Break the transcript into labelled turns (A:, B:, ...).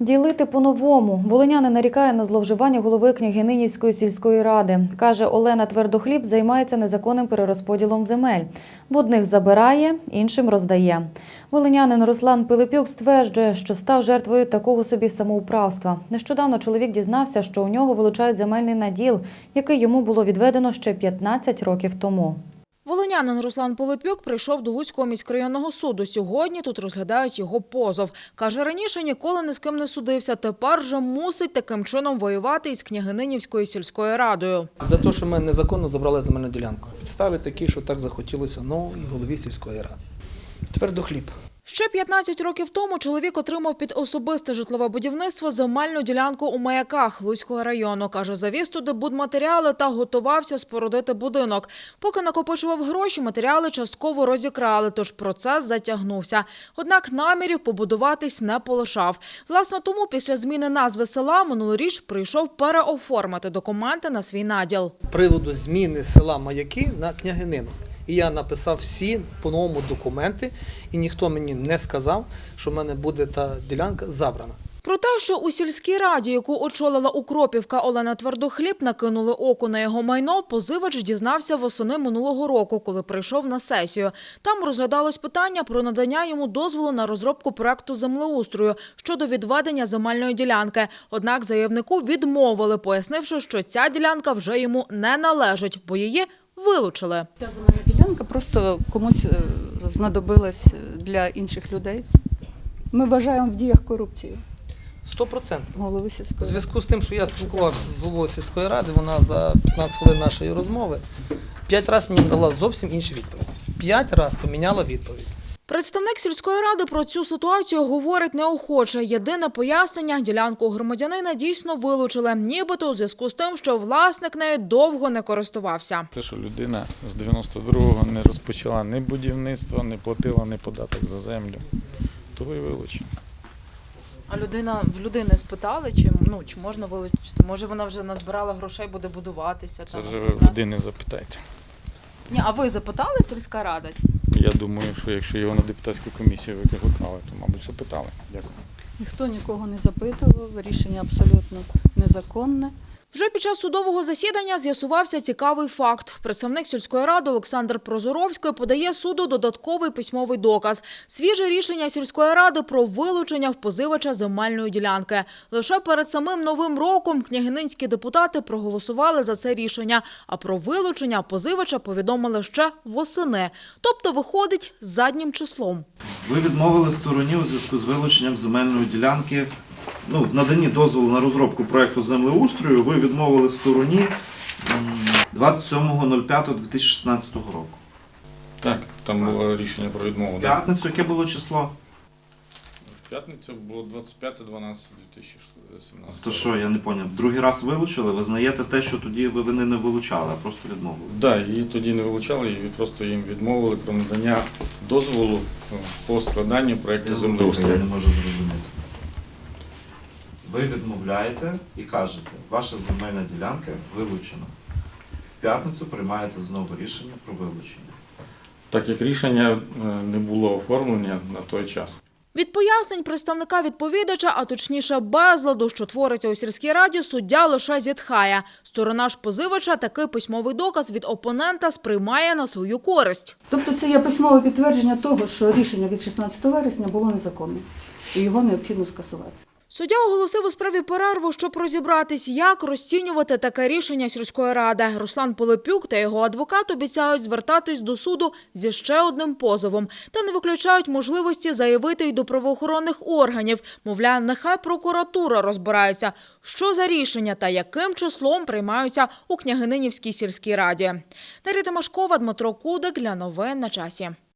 A: Ділити по-новому. Волинянин нарікає на зловживання голови Княгининівської сільської ради. Каже, Олена Твердохліб займається незаконним перерозподілом земель. В одних забирає, іншим роздає. Волинянин Руслан Пилипюк стверджує, що став жертвою такого собі самоуправства. Нещодавно чоловік дізнався, що у нього вилучають земельний наділ, який йому було відведено ще 15 років тому.
B: Волинянин Руслан Пилипюк прийшов до Луцького міськрайонного суду. Сьогодні тут розглядають його позов. Каже, раніше ніколи ні з ким не судився, тепер же мусить таким чином воювати із Княгининівською сільською радою.
C: За те, що ми незаконно забрали земельну ділянку. Підстави такі, що так захотілося новій голові сільської ради. Твердохліб.
B: Ще 15 років тому чоловік отримав під особисте житлове будівництво земельну ділянку у Маяках Луцького району. Каже, завіз туди будматеріали та готувався спорудити будинок. Поки накопичував гроші, матеріали частково розікрали, тож процес затягнувся. Однак намірів побудуватись не полишав. Власне, тому після зміни назви села минулоріч прийшов переоформити документи на свій наділ.
C: З приводу зміни села Маяки на Княгинину. І я написав всі по-новому документи, і ніхто мені не сказав, що в мене буде та ділянка забрана.
B: Про те, що у сільській раді, яку очолила Укропівка Олена Твердохліб, накинули око на його майно, позивач дізнався восени минулого року, коли прийшов на сесію. Там розглядалось питання про надання йому дозволу на розробку проекту землеустрою щодо відведення земельної ділянки. Однак заявнику відмовили, пояснивши, що ця ділянка вже йому не належить, бо її вилучили.
D: Ця земельна ділянка просто комусь знадобилась для інших людей. Ми вважаємо в діях корупцію.
C: 100%.
D: Голови
C: У
D: сільської.
C: зв'язку з тим, що я спілкувався з головою сільської ради, вона за 15 хвилин нашої розмови 5 разів мені дала зовсім інші відповіді. 5 разів поміняла відповідь.
B: Представник сільської ради про цю ситуацію говорить неохоче. Єдине пояснення – ділянку громадянина дійсно вилучили, нібито у зв'язку з тим, що власник нею довго не користувався.
E: Те, що людина з 92-го не розпочала ні будівництва, не платила ні податок за землю, то і вилучили.
B: А в людини спитали, чи можна вилучити? Може, вона вже назбирала грошей, буде будуватися?
E: Це вже ви в людини запитайте.
B: Ні, а ви запитали, сільська рада?
E: Я думаю, що якщо його на депутатську комісію викликали, то, мабуть, що питали. Дякую.
D: Ніхто нікого не запитував, рішення абсолютно незаконне.
B: Вже під час судового засідання з'ясувався цікавий факт. Представник сільської ради Олександр Прозоровський подає суду додатковий письмовий доказ. Свіже рішення сільської ради про вилучення в позивача земельної ділянки. Лише перед самим Новим роком княгининські депутати проголосували за це рішення, а про вилучення позивача повідомили ще восени. Тобто виходить заднім числом.
F: Ви відмовили стороні у зв'язку з вилученням земельної ділянки. В наданні дозволу на розробку проєкту землеустрою ви відмовили стороні 27.05.2016 року.
E: Так, там було рішення про відмову.
F: В п'ятницю, яке було число?
E: В п'ятницю було 25.12.2017.
F: То що, я не зрозумів, другий раз вилучили? Ви знаєте те, що тоді вони не вилучали, а просто відмовили?
E: Так, її тоді не вилучали, і просто їм відмовили про надання дозволу по складанню проєкту
F: Я
E: землеустрою.
F: не можу зрозуміти. Ви відмовляєте і кажете, ваша земельна ділянка вилучена. В п'ятницю приймаєте знову рішення про вилучення.
E: Так як рішення не було оформлення на той час.
B: Від пояснень представника відповідача, а точніше безладу, що твориться у сільській раді, суддя лише зітхає. Сторона ж позивача такий письмовий доказ від опонента сприймає на свою користь.
D: Тобто це є письмове підтвердження того, що рішення від 16 вересня було незаконне і його необхідно скасувати.
B: Суддя оголосив у справі перерву, щоб розібратись, як розцінювати таке рішення сільської ради. Руслан Пилипюк та його адвокат обіцяють звертатись до суду зі ще одним позовом. Та не виключають можливості заявити й до правоохоронних органів. Мовляв, нехай прокуратура розбирається, що за рішення та яким числом приймаються у Княгининівській сільській раді. Дар'я Тимошкова, Дмитро Кудик для новин на часі.